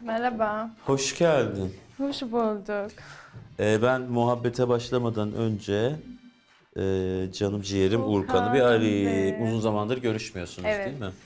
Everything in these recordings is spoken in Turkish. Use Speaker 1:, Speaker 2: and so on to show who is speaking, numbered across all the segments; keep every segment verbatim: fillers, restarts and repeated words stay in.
Speaker 1: Merhaba.
Speaker 2: Hoş geldin.
Speaker 1: Hoş bulduk.
Speaker 2: Ee, ben muhabbete başlamadan önce e, canım ciğerim
Speaker 1: Urkan
Speaker 2: Urkan'ı bir arayayım.
Speaker 1: Bey.
Speaker 2: Uzun zamandır görüşmüyorsunuz
Speaker 1: Evet.
Speaker 2: değil mi?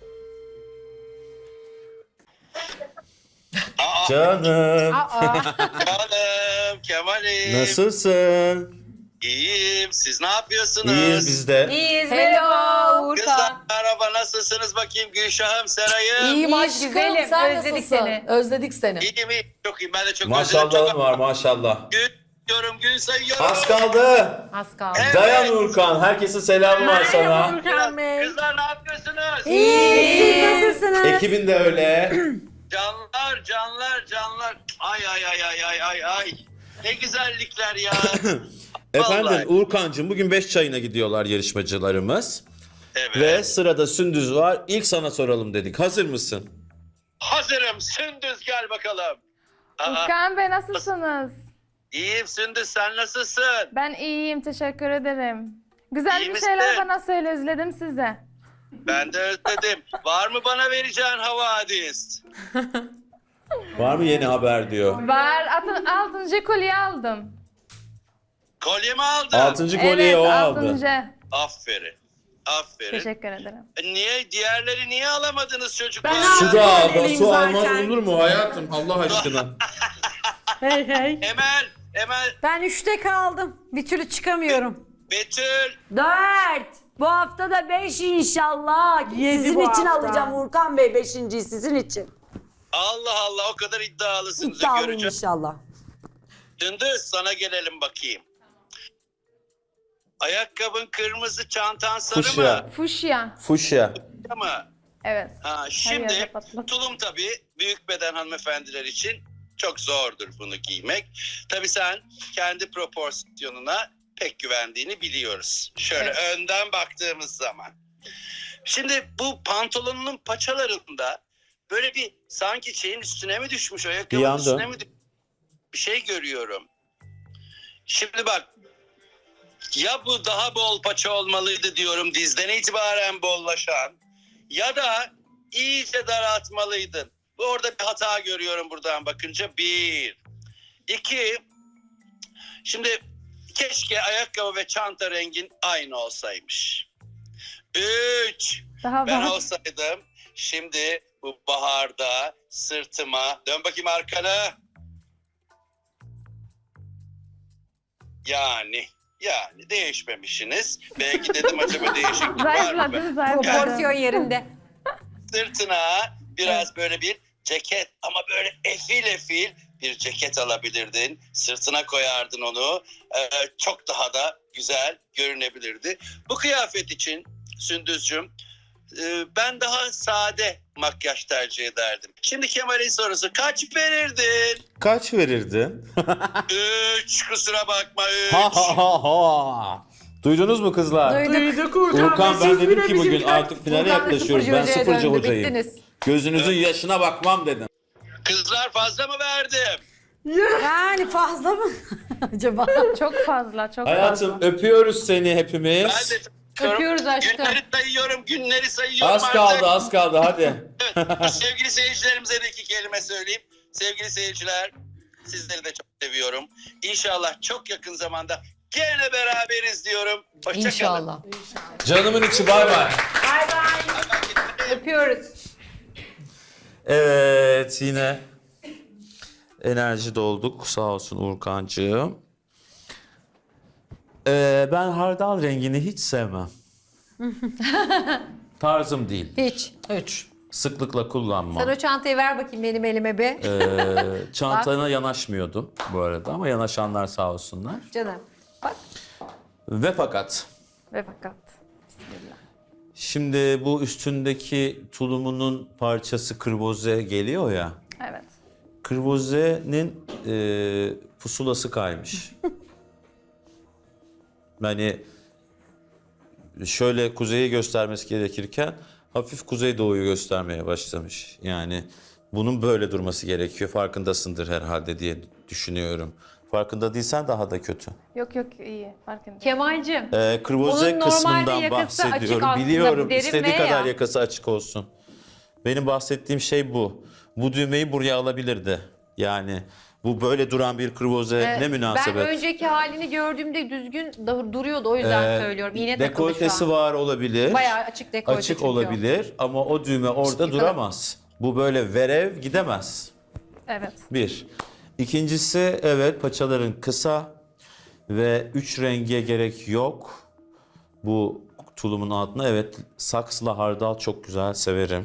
Speaker 2: Canım,
Speaker 3: Canım, Kemal'im.
Speaker 2: nasılsın?
Speaker 3: İyiyim. Siz ne yapıyorsunuz?
Speaker 2: İyiyiz biz de.
Speaker 4: İyiyiz.
Speaker 1: Hello.
Speaker 3: Kızlar
Speaker 4: Urkan.
Speaker 3: merhaba, nasılsınız bakayım Gülşah'ım, Seray'ım?
Speaker 4: İyiyim
Speaker 1: İyiyiz,
Speaker 4: aşkım.
Speaker 1: güzelim.
Speaker 4: Sen
Speaker 1: Özledik
Speaker 4: nasılsın?
Speaker 1: seni.
Speaker 4: Özledik seni.
Speaker 3: İyiyim, iyiyim. Çok iyiyim. Ben de çok özledim.
Speaker 2: Maşallahın
Speaker 3: Çok
Speaker 2: var maşallah.
Speaker 3: gün diyorum, gün sayıyorum.
Speaker 2: Az kaldı.
Speaker 4: Az kaldı.
Speaker 3: Evet.
Speaker 2: Dayan Urkan. Herkesin selamı var sana.
Speaker 3: Kızlar ne yapıyorsunuz?
Speaker 4: İyiyiz.
Speaker 2: Ekibin de öyle.
Speaker 3: Canlar, canlar, canlar. Ay ay ay ay ay ay ay. Ne güzellikler ya.
Speaker 2: Efendim
Speaker 3: Vallahi.
Speaker 2: Urkancığım bugün beş çayına gidiyorlar yarışmacılarımız.
Speaker 3: Evet.
Speaker 2: Ve sırada Sündüz var. İlk sana soralım dedik. Hazır mısın?
Speaker 3: Hazırım. Sündüz gel bakalım. Aa,
Speaker 1: Urkan Bey nasılsınız?
Speaker 3: iyiyim Sündüz, sen nasılsın?
Speaker 1: Ben iyiyim, teşekkür ederim. Güzel
Speaker 3: İyi
Speaker 1: bir
Speaker 3: misin?
Speaker 1: şeyler bana söyle, özledim size.
Speaker 3: Ben de özledim. Var mı bana vereceğin havadis?
Speaker 2: Var mı yeni haber diyor.
Speaker 1: Var, altın, altıncı kolye aldım.
Speaker 3: Kolye mi aldın?
Speaker 2: Altıncı kolyeyi
Speaker 1: Evet,
Speaker 2: o aldı.
Speaker 1: altıncı.
Speaker 3: Aferin. Aferin.
Speaker 1: Teşekkür ederim.
Speaker 3: E, Niye? Diğerleri niye alamadınız çocuklar?
Speaker 4: Ben
Speaker 2: Su
Speaker 4: aldım.
Speaker 2: da aldı.
Speaker 4: Eleyim
Speaker 2: Su
Speaker 4: zaten.
Speaker 2: almaz olur mu hayatım? Allah aşkına.
Speaker 5: Hey hey.
Speaker 3: Emel, Emel,
Speaker 5: Ben üçte kaldım. Bir türlü çıkamıyorum.
Speaker 3: Betül.
Speaker 4: Dört. Bu hafta da beş inşallah.
Speaker 5: Yedi
Speaker 4: sizin
Speaker 5: bu
Speaker 4: için
Speaker 5: hafta.
Speaker 4: alacağım Urkan Bey beşinciyi sizin için.
Speaker 3: Allah Allah, o kadar iddialısınız.
Speaker 4: İddialıyım
Speaker 3: Göreceğim.
Speaker 4: inşallah.
Speaker 3: Sündüz, sana gelelim bakayım. Ayakkabın kırmızı, çantan sarı
Speaker 2: Fuşya.
Speaker 3: mı?
Speaker 1: Fuşya.
Speaker 2: Fuşya.
Speaker 3: Ama
Speaker 1: Evet.
Speaker 3: ha,
Speaker 1: yerde
Speaker 3: şimdi
Speaker 1: patlat.
Speaker 3: tulum tabii büyük beden hanımefendiler için çok zordur bunu giymek. Tabii sen kendi proporsiyonuna pek güvendiğini biliyoruz. Şöyle
Speaker 1: Evet.
Speaker 3: önden baktığımız zaman. Şimdi bu pantolonunun paçalarında böyle bir sanki şeyin üstüne mi düşmüş, ayakkabının
Speaker 2: Yandı.
Speaker 3: üstüne mi düşmüş bir şey görüyorum. Şimdi bak, ya bu daha bol paça olmalıydı diyorum, dizden itibaren bollaşan, ya da iyice daraltmalıydın. Bu orada bir hata görüyorum buradan bakınca. Bir. İki. Şimdi keşke ayakkabı ve çanta rengin aynı olsaymış. Üç.
Speaker 1: Daha
Speaker 3: Ben
Speaker 1: var.
Speaker 3: olsaydım şimdi bu baharda sırtıma, dön bakayım arkana. Yani yani değişmemişsiniz. Belki dedim acaba değişiklik var mı?
Speaker 1: Zayıfladın, zayıfladın.
Speaker 5: Proporsiyon yerinde.
Speaker 3: Sırtına biraz böyle bir ceket, ama böyle efil efil bir ceket alabilirdin. Sırtına koyardın onu. Ee, çok daha da güzel görünebilirdi. Bu kıyafet için Sündüzcüğüm, e, ben daha sade makyaj tercih ederdim. Şimdi Kemal'in sorusu, kaç verirdin?
Speaker 2: Kaç verirdin?
Speaker 3: Üç, kusura bakma üç.
Speaker 2: ha ha ha ha. Duydunuz mu kızlar?
Speaker 5: Duyduk
Speaker 2: Urkan ben dedim ki bugün artık finale
Speaker 4: Urkan da
Speaker 2: yaklaşıyoruz. Ben
Speaker 4: sıfırcı hocaya
Speaker 2: sıfırcı
Speaker 4: döndü,
Speaker 2: hocayım.
Speaker 4: bittiniz.
Speaker 2: Gözünüzün yaşına bakmam dedim.
Speaker 3: Kızlar fazla mı verdim?
Speaker 5: Yani fazla mı acaba?
Speaker 1: Çok fazla, çok
Speaker 2: Hayatım
Speaker 1: fazla.
Speaker 2: öpüyoruz seni hepimiz.
Speaker 3: Ben de
Speaker 4: Öpüyoruz aşkım.
Speaker 3: Günleri sayıyorum, günleri sayıyorum
Speaker 2: Az
Speaker 3: artık.
Speaker 2: kaldı az kaldı hadi.
Speaker 3: Evet, sevgili seyircilerimize de iki kelime söyleyeyim. Sevgili seyirciler, sizleri de çok seviyorum. İnşallah çok yakın zamanda gene beraberiz diyorum. Hoşçakalın.
Speaker 4: İnşallah.
Speaker 2: Canımın içi bay bay.
Speaker 4: Öpüyoruz.
Speaker 2: Evet yine enerji dolduk sağ olsun Urkancığım. Ee, ben hardal rengini hiç sevmem. Tarzım değil.
Speaker 4: Hiç. Üç.
Speaker 2: Sıklıkla kullanmam.
Speaker 4: Sen o çantayı ver bakayım benim elime bir.
Speaker 2: Ee, çantana yanaşmıyordum bu arada ama yanaşanlar sağ olsunlar.
Speaker 4: Canım. Bak.
Speaker 2: Ve fakat
Speaker 1: Ve fakat. Bismillah.
Speaker 2: şimdi bu üstündeki tulumunun parçası kırboze geliyor ya.
Speaker 1: Evet.
Speaker 2: Kırboze'nin e, pusulası kaymış. Yani şöyle kuzeyi göstermesi gerekirken hafif kuzeydoğuyu göstermeye başlamış. Yani bunun böyle durması gerekiyor. Farkındasındır herhalde diye düşünüyorum. Farkında değilsen daha da kötü.
Speaker 1: Yok yok iyi, farkındayım.
Speaker 4: Kemal'cim.
Speaker 2: Ee, kırboze
Speaker 4: Onun normalde
Speaker 2: kısmından
Speaker 4: yakası açık
Speaker 2: bahsediyorum.
Speaker 4: aslında,
Speaker 2: Biliyorum
Speaker 4: derin
Speaker 2: istediği
Speaker 4: V
Speaker 2: kadar
Speaker 4: ya.
Speaker 2: yakası açık olsun. Benim bahsettiğim şey bu. bu düğmeyi buraya alabilirdi. Yani bu böyle duran bir kruvaze ne münasebet.
Speaker 6: Ben önceki halini gördüğümde düzgün da- duruyordu, o yüzden
Speaker 2: Ee,
Speaker 6: söylüyorum. İğne takılı şu
Speaker 2: Dekoltesi
Speaker 6: an.
Speaker 2: var olabilir.
Speaker 6: Bayağı açık dekolte
Speaker 2: Açık
Speaker 6: çünkü o.
Speaker 2: olabilir ama o düğme orada
Speaker 6: Yıkalım.
Speaker 2: duramaz. Bu böyle verev gidemez.
Speaker 1: Evet.
Speaker 2: Bir. İkincisi evet paçaların kısa ve üç renge gerek yok. Bu tulumun altına evet saksla hardal çok güzel severim.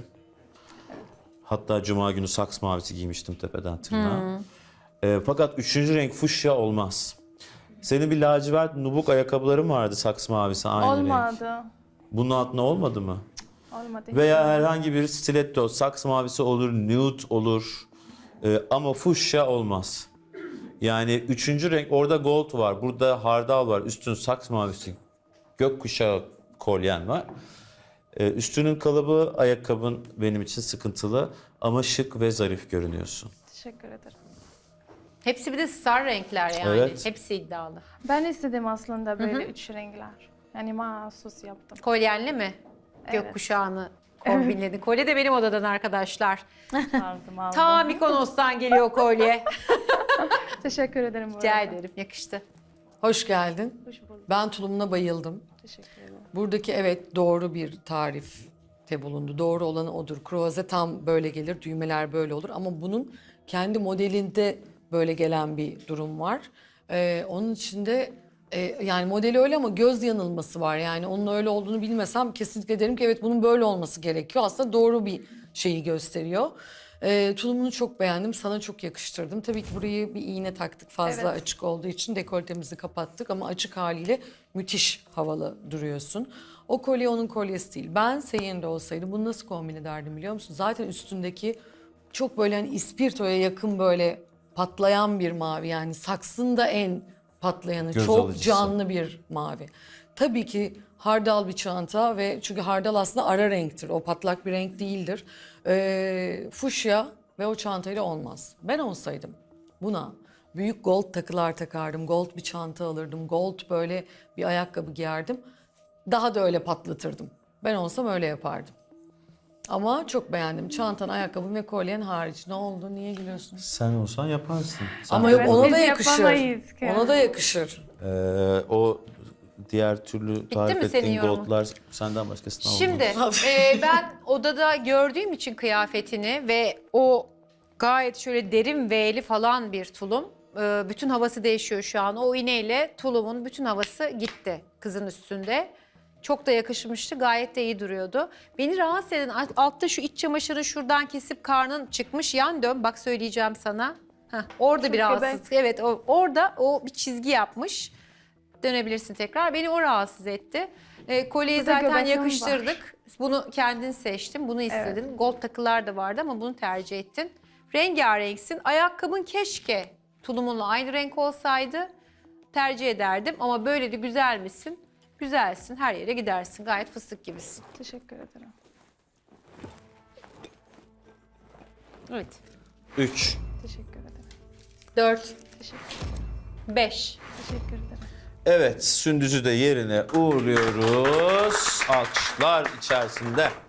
Speaker 2: Hatta cuma günü saks mavisi giymiştim tepeden tırnağa. Ee, fakat üçüncü renk fuşya olmaz. Senin bir lacivert nubuk ayakkabıların vardı saks mavisi aynı renk.
Speaker 1: Olmadı.
Speaker 2: Bunun altına olmadı mı?
Speaker 1: Olmadı.
Speaker 2: Veya herhangi bir stiletto, saks mavisi olur, nude olur Ee, ama fuşya olmaz. Yani üçüncü renk orada gold var, burada hardal var, üstün saks mavisi, gökkuşağı kolyen var. Ee, üstünün kalıbı, ayakkabın benim için sıkıntılı ama şık ve zarif görünüyorsun.
Speaker 1: Teşekkür ederim.
Speaker 6: Hepsi bir de star renkler yani.
Speaker 2: Evet.
Speaker 6: Hepsi iddialı.
Speaker 1: Ben istedim aslında böyle üç renkler. Yani mahsus yaptım.
Speaker 6: Kolyenli mi?
Speaker 1: Evet.
Speaker 6: Gökkuşağını kombinledin. Kolye de benim odadan arkadaşlar.
Speaker 1: Aldım aldım.
Speaker 6: Ta Mikonos'tan geliyor kolye.
Speaker 1: Teşekkür ederim bu
Speaker 6: Rica
Speaker 1: arada.
Speaker 6: ederim, yakıştı.
Speaker 7: Hoş geldin.
Speaker 1: Hoş bulduk.
Speaker 7: Ben tulumuna bayıldım.
Speaker 1: Teşekkür ederim.
Speaker 7: Buradaki evet doğru bir tarifte bulundu. Doğru olanı odur. Kruvaze tam böyle gelir, düğmeler böyle olur. Ama bunun kendi modelinde böyle gelen bir durum var. Ee, onun içinde e, yani modeli öyle ama göz yanılması var. Yani onun öyle olduğunu bilmesem kesinlikle derim ki evet bunun böyle olması gerekiyor. Aslında doğru bir şeyi gösteriyor. Ee, tulumunu çok beğendim. Sana çok yakıştırdım. Tabii ki burayı bir iğne taktık fazla
Speaker 1: Evet.
Speaker 7: açık olduğu için dekoltemizi kapattık ama açık haliyle müthiş havalı duruyorsun. O kolye onun kolyesi değil. Ben senin yerinde olsaydım bunu nasıl kombin ederdim biliyor musun? Zaten üstündeki çok böyle hani ispirtoya yakın böyle patlayan bir mavi, yani saksın da en patlayanı,
Speaker 2: Göz
Speaker 7: çok
Speaker 2: alıcısı.
Speaker 7: canlı bir mavi. Tabii ki hardal bir çanta ve çünkü hardal aslında ara renktir. O patlak bir renk değildir. Ee, fuşya ve o çantayla olmaz. Ben olsaydım buna büyük gold takılar takardım. Gold bir çanta alırdım. Gold böyle bir ayakkabı giyerdim. Daha da öyle patlatırdım. Ben olsam öyle yapardım. Ama çok beğendim. Çantan, ayakkabın ve kolyen hariç. Ne oldu? Niye gülüyorsun?
Speaker 2: Sen olsan yaparsın. Sen
Speaker 7: Ama
Speaker 2: de
Speaker 7: yok
Speaker 1: Evet,
Speaker 7: ona
Speaker 1: biz
Speaker 7: da yakışır.
Speaker 1: yapamayız ki.
Speaker 7: Ona da yakışır.
Speaker 2: Ee, o diğer türlü tarif
Speaker 6: mi senin
Speaker 2: ettiğin
Speaker 6: yorumun?
Speaker 2: goldlar senden başkasına olmaz.
Speaker 6: Şimdi e, ben odada gördüğüm için kıyafetini ve o gayet şöyle derin V'li falan bir tulum. E, bütün havası değişiyor şu an. O iğneyle tulumun bütün havası gitti kızın üstünde. Çok da yakışmıştı. Gayet de iyi duruyordu. Beni rahatsız eden alt- altta şu iç çamaşırı şuradan kesip karnın çıkmış. Yan dön bak söyleyeceğim sana. Heh, orada
Speaker 1: Çok
Speaker 6: bir rahatsızlık. Evet o, orada o bir çizgi yapmış. Dönebilirsin tekrar. Beni o rahatsız etti. E, kolyeyi
Speaker 1: Burada
Speaker 6: zaten
Speaker 1: göbeğim
Speaker 6: yakıştırdık. Bunu kendin seçtin. Bunu istedin. Gold takılar da vardı ama bunu tercih ettin. Rengarenksin. Ayakkabın keşke tulumunla aynı renk olsaydı tercih ederdim. Ama böyle de güzel misin? Güzelsin. Her yere gidersin. Gayet fıstık gibisin.
Speaker 1: Teşekkür ederim.
Speaker 6: Evet.
Speaker 2: Üç.
Speaker 1: Teşekkür ederim.
Speaker 6: Dört.
Speaker 1: Teşekkür ederim.
Speaker 6: Beş.
Speaker 1: Teşekkür ederim.
Speaker 2: Evet, Sündüz'ü de yerine uğurluyoruz. Alkışlar içerisinde.